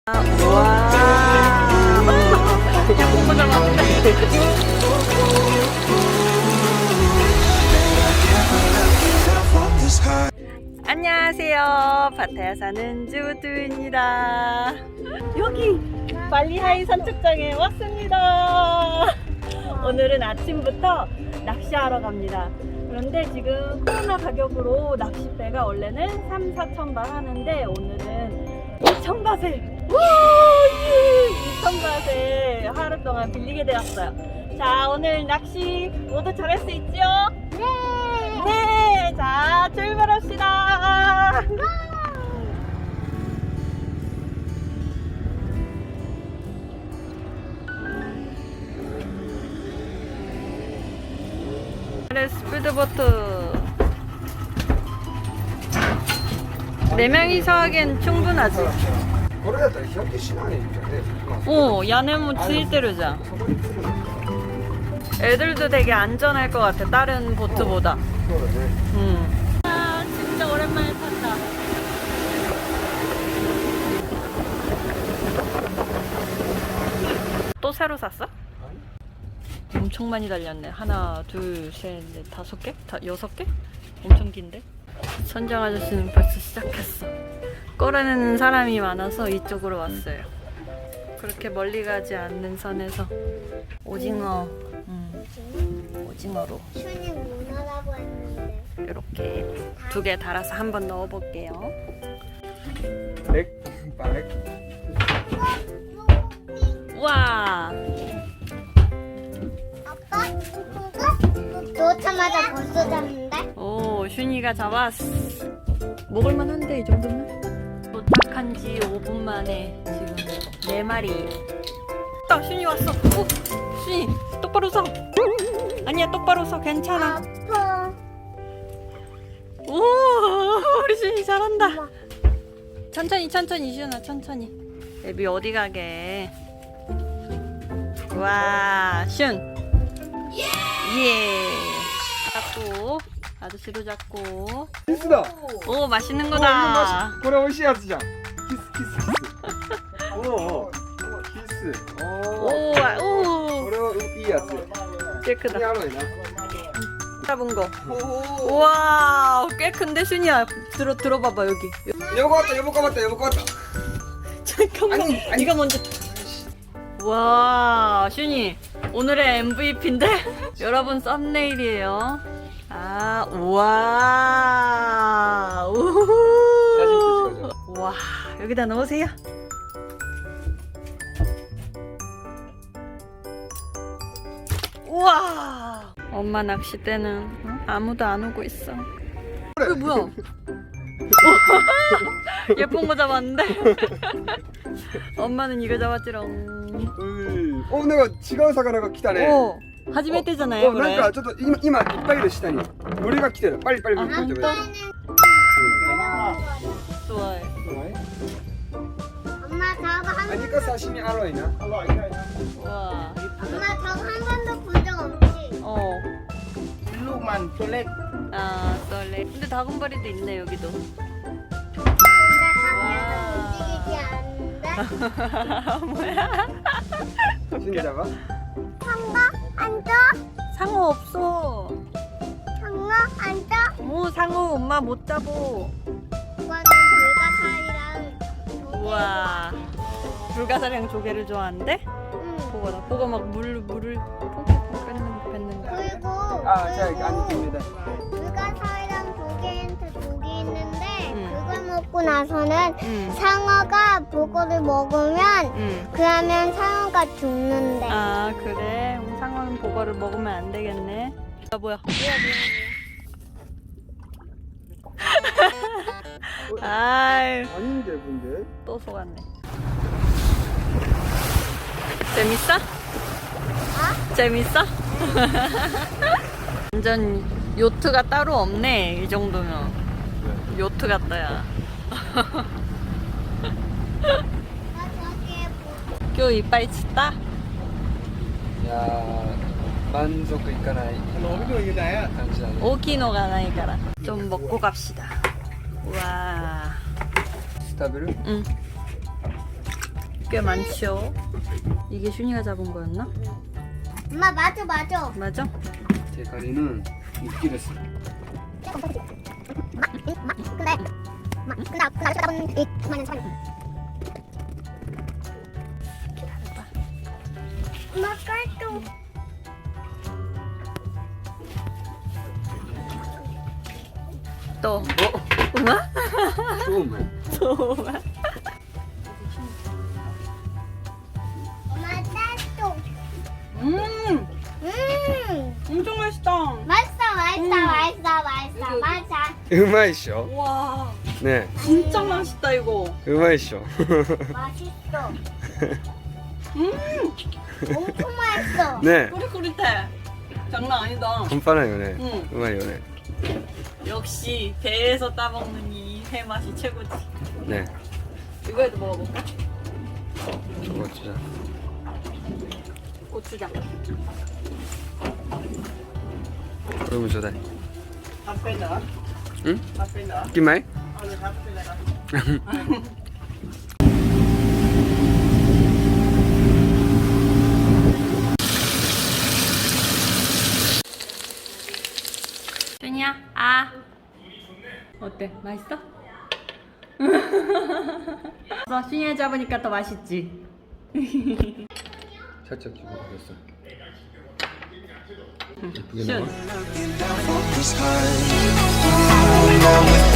우와. 야구 잡았는데. 안녕하세요. 파타야 사는 주두입니다. 여기 발리하이 산책장에 왔습니다. 오늘은 아침부터 낚시하러 갑니다. 그런데 지금 코로나 가격으로 낚싯배가 원래는 3-4천 바 하는데 오늘은 2천 바세 2천 바세 하루 동안 빌리게 되었어요. 자, 오늘 낚시 모두 잘할 수 있죠? 네! 네! 자, 출발합시다! 스피드보트 4명이서 하기엔 충분하지.屋根もついてるじゃん. 애들도 되게 안전할 것 같아, 다른 보트보다. 아, 진짜 오랜만에 탔다. 또 새로 샀어? 엄청 많이 달렸네. 하나, 둘, 셋, 넷, 5개? 6개? 엄청 긴데? 선장 아저씨는 벌써 시작했어. 꺼내는 사람이 많아서 이쪽으로 왔어요. 그렇게 멀리 가지 않는 선에서 오징어, 오징어로 이렇게 2개 달아서 한번 넣어볼게요. 와. 넣자마자 벌써 잡는데? 오, 슌이가 잡았어. 먹을만한데 이 정도면? 도착한 지 5분 만에 지금 4마리. 아, 슌이 왔어. 오, 슌이 똑바로 서. 아니야, 똑바로 서. 괜찮아. 아파. 오, 우리 슌이 잘한다. 천천히 슌아, 천천히. 애비 어디 가게? 와, 슌. 예. 잡고 아저씨도 잡고. 키스다. 오, 맛있는 거다. これ美味しいやつじゃん。キス。おお。キス。おお。 오, 오. これはいいやつ。 꽤 크다. やろいな。 잡은 거. 우와, 꽤 큰데 슌이야. 들어봐봐 여기. 横かった横かった横かった。 잠깐만. 아니. 이거 먼저. 와, 슌이 오늘의 MVP인데? 여러분 썸네일이에요. 아, 우와. 우후. 와, 여기다 넣으세요. 우와. 엄마 낚싯대는 아무도 안 오고 있어. 이거 뭐야? 예쁜 거 잡았는데? 엄마는 이거 잡았지롱. お、なんか違う魚が来たね。 오, 初めてじゃない? お、なんかちょっと今いっぱいいる下に。鳥が来てる。パリパリパリパリパリ。 좋아해. 엄마 저거 한 아니까 사시미 알로이나. 와, 엄마 이쁘다. 저거 한 번도 본 적 없지? 어. ลูกมันตัวเล็ก 아, 썰레. 근데 다금바리도 있네, 여기도. 근데 한 번도 움직이지 않는데? 뭐야? 신자가? 상어 앉아? 상어 없어. 상어 앉아? 오, 상어 엄마 못 잡어. 이거는 불가사리랑 우와. 불가사리랑 조개를 좋아하는데? 응. 보고 막 물을 퐁퐁 뱉는 거. 그리고 아, 자, 아닙니다. 불가사리랑 조개한테 독이 있는데 응. 그걸 먹고 나서는 응. 상어가 그거를 먹으면 응. 그러면 상어가 죽는데. 아, 그래? 그럼 상어는 보거를 먹으면 안 되겠네. 아, 뭐야? 아이, 아닌데 근데. 또 속았네. 재밌어? 재밌어? 완전 요트가 따로 없네, 이 정도면. 요트 같다, 야. な저기에 今日いっぱい釣った? いやー、満足いかない感じだね。 大きいのがないから좀 먹고 갑시다. 와. 食べる？ 응. 꽤 많지요. 이게 슈니가 잡은 거였나? 엄마 맞아 맞아. 맞아? 대가리는 육기 됐어. 근데 아까 잡은 이 그만한 사람. 엄마 깔도. 또 우마? 처음. 소마. 엄마 깔도. 엄청 맛있다. 맛있어. うまいっしょ 와, ね 진짜 맛있다 이거. うまいっしょ 맛있어. 엄청 맛있어. ね 꾸릿꾸릿해. 장난 아니다. 半端ないよね 응. うまいよね 역시 배에서 따먹는 이 회 맛이 최고지. ね 이거에도 먹어볼까? こっちだ 고추장. これもちょうだい 앞에 넣어. 응? 앞에 넣어. 金米 앞에 넣어. 준이야, 아. 어때? 맛있어? 준이가 잡으니까 더 맛있지? 살짝 주고 그랬어 예쁘게 슌. 나와 Focus high. Now with